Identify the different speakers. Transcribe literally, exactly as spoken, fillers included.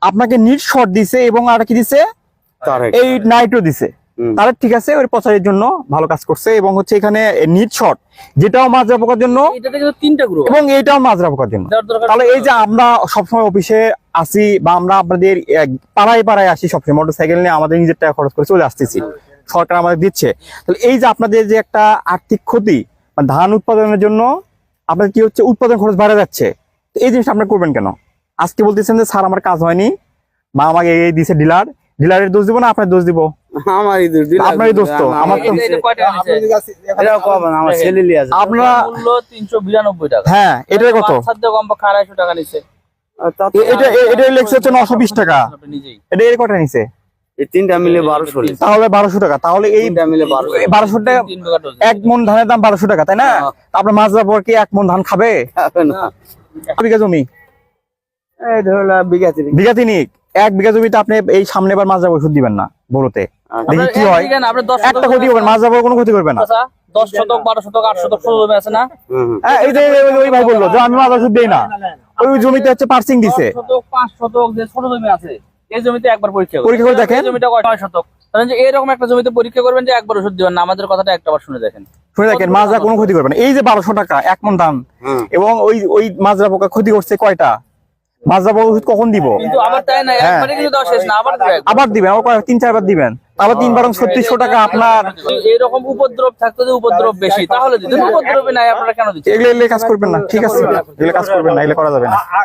Speaker 1: আপনাকে NEET shot দিছে এবং আর কি দিছে এই নাইট্রো দিছে তাহলে ঠিক আছে, ওই প্রচারের জন্য ভালো কাজ করছে। এবং হচ্ছে এখানে নিট শট যেটাও মাজরা পোকার জন্য এবং এইটাও মাজরা পোকার জন্য। তাহলে এই যে আমরা সবসময় অফিসে আসি বা আমরা আপনাদের পাড়ায় পাড়ায় আসি সবসময় মোটরসাইকেল নিয়ে আমাদের নিজের টাকা খরচ করে চলে আসতেছি, সরকার আমাদের দিচ্ছে। তাহলে এই যে আপনাদের যে একটা আর্থিক ক্ষতি, ধান উৎপাদনের জন্য আপনার কি হচ্ছে উৎপাদন খরচ বাড়া যাচ্ছে, এই জিনিসটা আপনারা করবেন কেন? আজকে বলতেছেন যে স্যার আমার কাজ হয়নি বা আমাকে এই দিছে ডিলার, ডিলারের দোষ দিব না আপনার দোষ দিব?
Speaker 2: আমারই দোষ,
Speaker 1: আপনারই দোষ তো। আমার তো আপনারা
Speaker 3: তিনশো বিরানব্বই টাকা।
Speaker 1: হ্যাঁ, এটাই কত?
Speaker 3: আড়াইশো টাকা নিচ্ছে।
Speaker 1: এটা এটা লেখছে হচ্ছে নশো বিশ টাকা। এটা এর কটা নিছে?
Speaker 2: এই তিনটা মিলে বারোশো।
Speaker 1: তাহলে বারোশো টাকা। তাহলে এই
Speaker 2: মিলে বারোশো
Speaker 1: বারোশো টাকা এক মন ধানের দাম বারোশো টাকা, তাই না? আপনার মাজরা পর কি এক মন ধান খাবে? বিঘা জমি,
Speaker 2: এই ধরো বিঘা তিনিক।
Speaker 1: বিঘা তিনিক। এক বিঘা জমিতে আপনি এই সামনে বার মাজরা ওষুধ দিবেন না বলতে, দেখি কি হয়। একটা ক্ষতি করবেন, মাজরা পর কোনো ক্ষতি করবে না।
Speaker 3: দশ শতক বারো শতক আট শতক ষোলো জমি আছে না?
Speaker 1: হ্যাঁ, এই যে ওই ভাই বললো যে আমি মাজরা ওষুধ দিই না, ওই জমিতে হচ্ছে পার্সিং দিছে।
Speaker 3: শতক পাঁচ শতক যে ছোট জমি আছে এই জমিতে একবার পরীক্ষা
Speaker 1: পরীক্ষা করে দেখেন।
Speaker 3: জমিটা নয় শতক, তাহলে যে এরকম একটা জমিতে পরীক্ষা করবেন যে একবার ওষুধ দিবেন না। আমাদের কথাটা একটাবার শুনে দেখেন,
Speaker 1: শুনে দেখেন, মাজরা কোনো ক্ষতি করবে না। এই যে বারোশো টাকা এক মন ধান, এবং ওই ওই মাজরা পোকা ক্ষতি করছে কয়টা? মাজরা পোকা ওষুধ কখন দিব?
Speaker 3: কিন্তু আবার তাই না, একবারে কিন্তু দেওয়া শেষ না, আবার দিবেন,
Speaker 1: আবার দিবেন, আবার তিন চারবার দিবেন, আবার তিন বারং ছত্রিশশো টাকা আপনার।
Speaker 3: এরকম উপদ্রব থাকতো যে উপদ্রব বেশি তাহলে দিতেন, উপদ্রবে নাই আপনারা কেন দিচ্ছেন?
Speaker 1: এগুলো এগুলো কাজ করবেন না, ঠিক আছে? এগুলো কাজ করবেন না, এগুলো করা যাবে না।